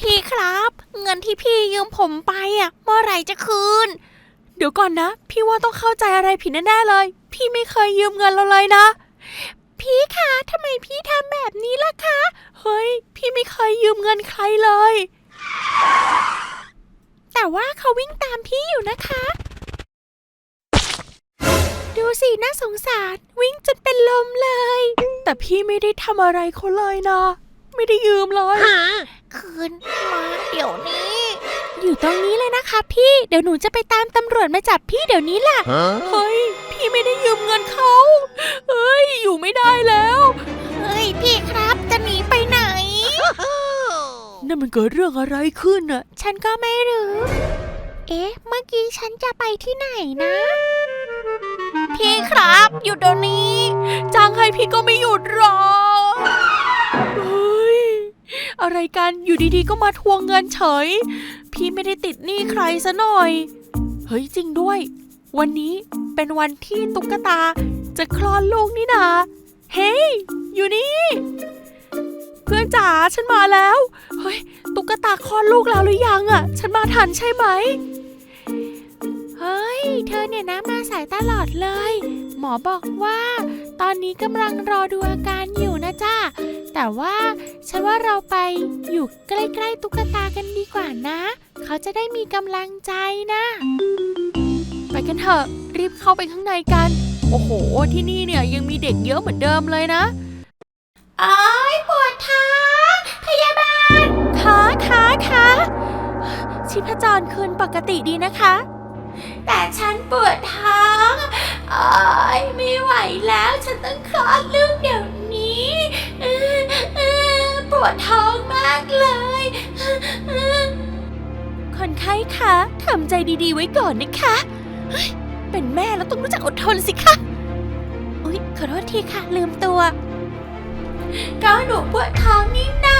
พี่ครับเงินที่พี่ยืมผมไปเมื่อไหร่จะคืนเดี๋ยวก่อนนะพี่ว่าต้องเข้าใจอะไรผิดแน่ๆเลยพี่ไม่เคยยืมเงินเราเลยนะพี่คะทำไมพี่ทำแบบนี้ล่ะคะเฮ้ยพี่ไม่เคยยืมเงินใครเลยแต่ว่าเขาวิ่งตามพี่อยู่นะคะดูสิน่าสงสารวิ่งจนเป็นลมเลยแต่พี่ไม่ได้ทำอะไรเขาเลยนะไม่ได้ยืมเลยคืนมาเดี๋ยวนี้อยู่ตรงนี้เลยนะคะพี่เดี๋ยวหนูจะไปตามตำรวจมาจับพี่เดี๋ยวนี้แหละเฮ้ยพี่ไม่ได้ยืมเงินเขาเฮ้ยอยู่ไม่ได้แล้วเฮ้ยพี่ครับจะหนีไปไหนนั่นมันเกิดเรื่องอะไรขึ้นอะฉันก็ไม่รู้เอ๊ะเมื่อกี้ฉันจะไปที่ไหนนะพี่ครับอยู่เดี๋ยวนี้จ้างให้พี่ก็ไม่หยุดหรอกเฮ้ยอะไรกันอยู่ดีๆก็มาทวงเงินเฉยพี่ไม่ได้ติดหนี้ใครซะหน่อยเฮ้ยจริงด้วยวันนี้เป็นวันที่ตุ๊กตาจะคลอดลูกนี่นาเฮ้ยอยู่นี่เพื่อนจ๋าฉันมาแล้วเฮ้ยตุ๊กตาคลอดลูกแล้วหรือยังอะฉันมาทันใช่ไหมเฮ้ยเธอเนี่ยนะมาสายตลอดเลยหมอบอกว่าตอนนี้กำลังรอดูอาการอยู่นะจ้าแต่ว่าฉันว่าเราไปอยู่ใกล้ๆตุ๊กตากันดีกว่านะเขาจะได้มีกำลังใจนะไปกันเถอะรีบเข้าไปข้างในกันโอ้โหที่นี่เนี่ยยังมีเด็กเยอะเหมือนเดิมเลยนะอ้ายปวดท้องพยาบาลขาชีพจรคืนปกติดีนะคะแต่ฉันปวดท้องไม่ไหวแล้วฉันต้องคลอดลูกเดี๋ยวนี้ปวดท้องมากเลยคนไข้คะทำใจดีๆไว้ก่อนนะคะเป็นแม่แล้วต้องรู้จักอดทนสิคะอุ๊ยขอโทษทีค่ะลืมตัวก็หนูปวดท้องนี่นา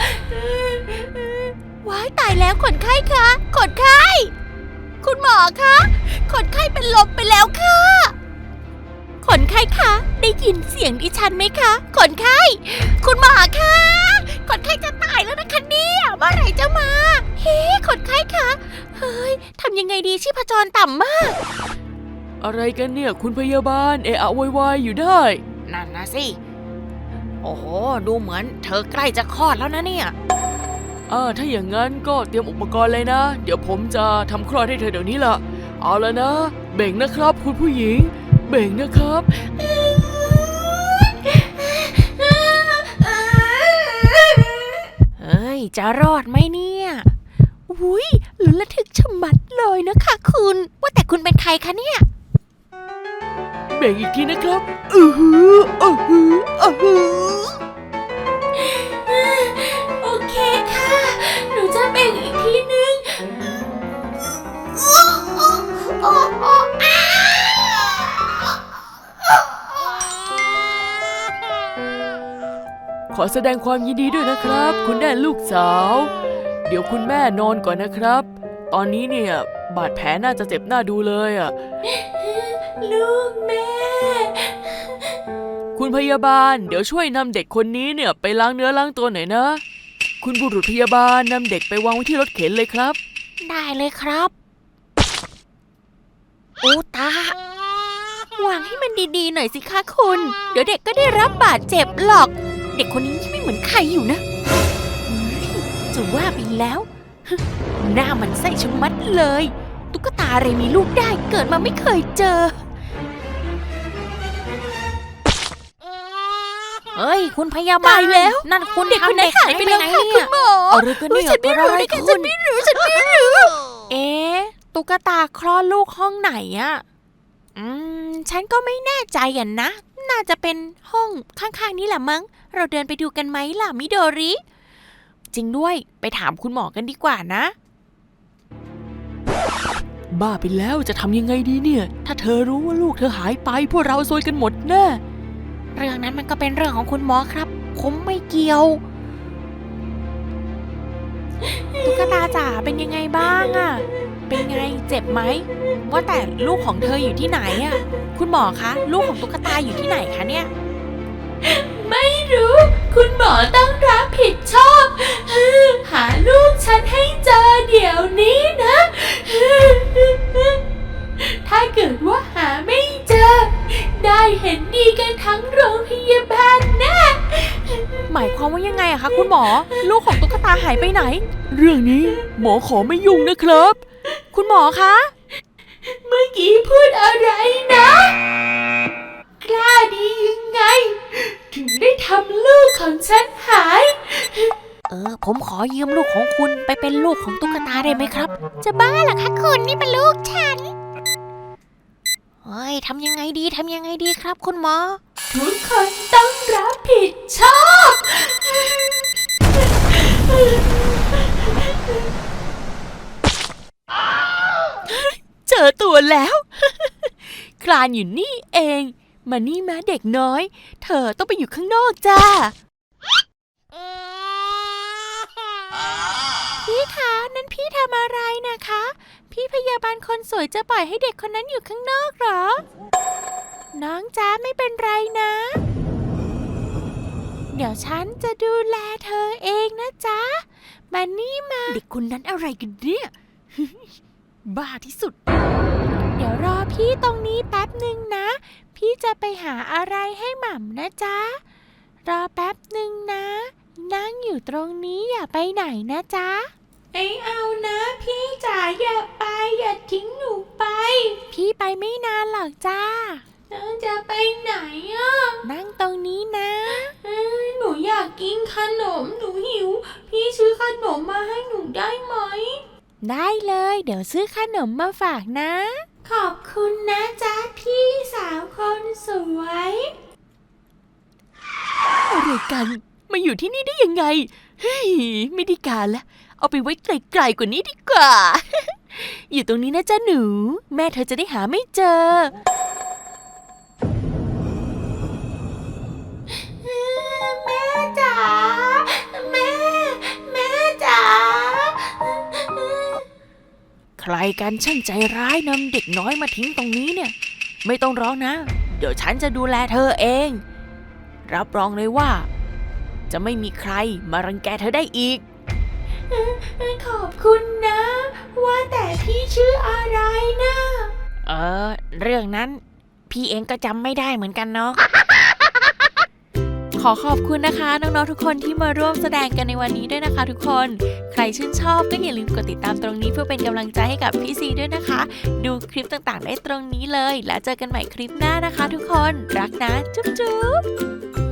ว้ายตายแล้วคนไข้คะคนไข้คุณหมอคะคนไข้เป็นลมไปแล้วค่ะคนไข้คะได้ยินเสียงดิฉันไหมคะคนไข้คุณหมอคะคนไข้จะตายแล้วนะคะเนี่ยเมื่อไหร่จะมาเฮ้คนไข้คะเฮ้ยทำยังไงดีชีพจรต่ำมากอะไรกันเนี่ยคุณพยาบาลเอะอะโวยวายอยู่ได้นั่นนะสิโอ้โหดูเหมือนเธอใกล้จะคลอดแล้วนะเนี่ยถ้าอย่างนั้นก็เตรียมอุปกรณ์เลยนะเดี๋ยวผมจะทำคลอดให้เธอเดี๋ยวนี้ล่ะเอาแล้วนะเบ่งนะครับคุณผู้หญิงเบ่งนะครับเฮ้ยจะรอดไหมเนี่ยอุ้ยลุ้นระทึกชะมัดเลยนะคะคุณว่าแต่คุณเป็นใครคะเนี่ยเบ่งอีกทีนะครับโอเคค่ะหนูจะเบ่งอีกทีนึงขอแสดงความยินดีด้วยนะครับคุณได้ลูกสาวเดี๋ยวคุณแม่นอนก่อนนะครับตอนนี้เนี่ยบาดแผลน่าจะเจ็บหน้าดูเลยลูกแม่คุณพยาบาลเดี๋ยวช่วยนำเด็กคนนี้เนี่ยไปล้างเนื้อล้างตัวหน่อยนะคุณบุรุษพยาบาลนำเด็กไปวางไว้ที่รถเข็นเลยครับได้เลยครับโอ้ตาวางให้มันดีๆหน่อยสิคะคุณเดี๋ยวเด็กก็ได้รับบาดเจ็บหรอกเด็กคนนี้ไม่เหมือนใครอยู่นะจะว่าไปแล้วหน้ามันไส้ชะมัดเลยตุ๊กตาอะไรมีลูกได้เกิดมาไม่เคยเจอเฮ้ยคุณพยาบาลแล้วนั่นคุณเด็กคนไหนหายไปแล้วค่ะคุณหมออะไรกันเนี่ยฉันไม่รู้ฉันไม่รู้เอ๊ะตุ๊กตาคลอดลูกห้องไหนฉันก็ไม่แน่ใจนะน่าจะเป็นห้องข้างๆนี้แหละมั้งเราเดินไปดูกันไหมล่ะมิโดริจริงด้วยไปถามคุณหมอกันดีกว่านะบ้าไปแล้วจะทำยังไงดีเนี่ยถ้าเธอรู้ว่าลูกเธอหายไปพวกเราซวยกันหมดแน่เรื่องนั้นมันก็เป็นเรื่องของคุณหมอครับผมไม่เกี่ยวตุ๊กตาจ๋าเป็นยังไงบ้างเป็นไงเจ็บไหมว่าแต่ลูกของเธออยู่ที่ไหนคุณหมอคะลูกของตุ๊กตาอยู่ที่ไหนคะเนี่ยไม่รู้คุณหมอต้องรับผิดชอบหาลูกมอลูกของตุ๊กตาหายไปไหนเรื่องนี้หมอขอไม่ยุ่งนะครับคุณหมอคะเมื่อกี้พูดอะไรนะ กล้าดียังไง ถึงได้ทำลูกของฉันหายผมขอยืมลูกของคุณไปเป็นลูกของตุ๊กตาได้ไหมครับ จะบ้าเหรอคะคุณนี่เป็นลูกฉันเฮ้ยทำยังไงดีครับคุณหมอทุกคนต้องรับผิดชอบเจอตัวแล้ว คลานอยู่นี่เอง มานี่มาเด็กน้อย เธอต้องไปอยู่ข้างนอกจ้า พี่คะนั่นพี่ทำอะไรนะคะ พี่พยาบาลคนสวยจะปล่อยให้เด็กคนนั้นอยู่ข้างนอกเหรอ น้องจ้าไม่เป็นไรนะ เดี๋ยวฉันจะดูแลเธอเองนะจ๊ะ มานี่มา เด็กคนนั้นอะไรกันเนี่ย บ้าที่สุด เดี๋ยวรอพี่ตรงนี้แป๊บหนึ่งนะ พี่จะไปหาอะไรให้หม่ำนะจ๊ะ รอแป๊บหนึ่งนะ นั่งอยู่ตรงนี้อย่าไปไหนนะจ๊ะไม่เอานะพี่จ๋าอย่าไปอย่าทิ้งหนูไปพี่ไปไม่นานหรอกจ้าน้องจะไปไหนอ่ะนั่งตรงนี้นะหนูอยากกินขนมหนูหิว พี่ซื้อขนมมาให้หนูได้ไหมได้เลย เดี๋ยวซื้อขนมมาฝากนะขอบคุณนะจ๊ะพี่สาวคนสวยอะไรกันมาอยู่ที่นี่ได้ยังไง เฮ้ยไม่ได้การละเอาไปไว้ไกลๆกว่านี้ดีกว่า อยู่ตรงนี้นะจ๊ะหนู แม่เธอจะได้หาไม่เจอแม่จ๋าแม่จ๋าใครกันช่างใจร้ายนำเด็กน้อยมาทิ้งตรงนี้เนี่ย ไม่ต้องร้องนะ เดี๋ยวฉันจะดูแลเธอเอง รับรองเลยว่า จะไม่มีใครมารังแกเธอได้อีกขอบคุณนะ ว่าแต่พี่ชื่ออะไรนะเรื่องนั้น พี่เองก็จำไม่ได้เหมือนกันเนาะ ขอขอบคุณนะคะน้องๆทุกคนที่มาร่วมแสดงกันในวันนี้ด้วยนะคะทุกคน ใครชื่นชอบก็อย่าลืมกดติดตามตรงนี้เพื่อเป็นกำลังใจให้กับพี่ซีด้วยนะคะ ดูคลิปต่างๆได้ตรงนี้เลย แล้วเจอกันใหม่คลิปหน้านะคะทุกคน รักนะ จุ๊บๆ